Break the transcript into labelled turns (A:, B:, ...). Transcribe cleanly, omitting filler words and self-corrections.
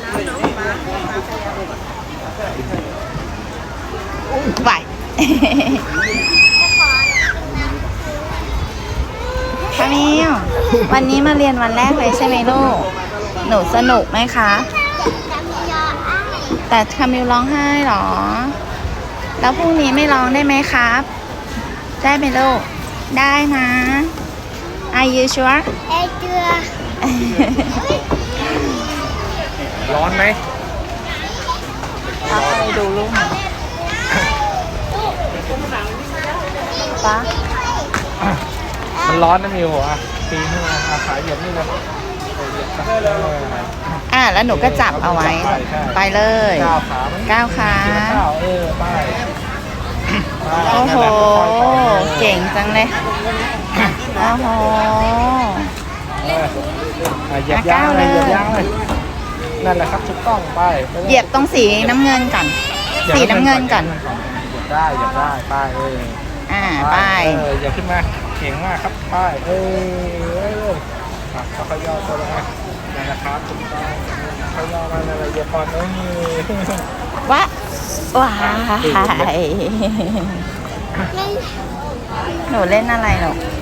A: ไป คามิลวันนี้มาเรียนวันแรกเลยใช่ไหมลูก หนูสนุกไหมคะ แต่คามิลร้องไห้เหรอ แล้วพรุ่งนี้ไม่ร้องได้ไหมครับ ได้ไหมลูก ได้นะ Are you sure
B: ร้อนไหม
A: เอาไปดูลูกป๊า
B: มันร้อนนะมิวอ่ะปีนขึ้นมาขาเหยียบนี่เลยเหยียบได้
A: แล้วหนูก็จับเอาไว้ ไปเลย
B: ก้าวขา
A: ก้าวขา
B: ก้าวไป
A: โอ้โห เก่งจังเลย โอ้โห
B: เหยียบยางเลยเหยียบยางเลยนั่นแหละครับถูกต้องไป
A: เหยียบตรงสีน้ำเงินก่อน สีน้ำเงินก่อน
B: เหยียบได้ไป
A: ไป
B: อย่าขึ้นมาเก่งมากครับไปเขาย่อตัวลงมานั่นแหละครับถูกต้องเขาย่อมาอะไรเหยียบก่อน
A: ว้าว้าย หนูเล่นอะไรหรอ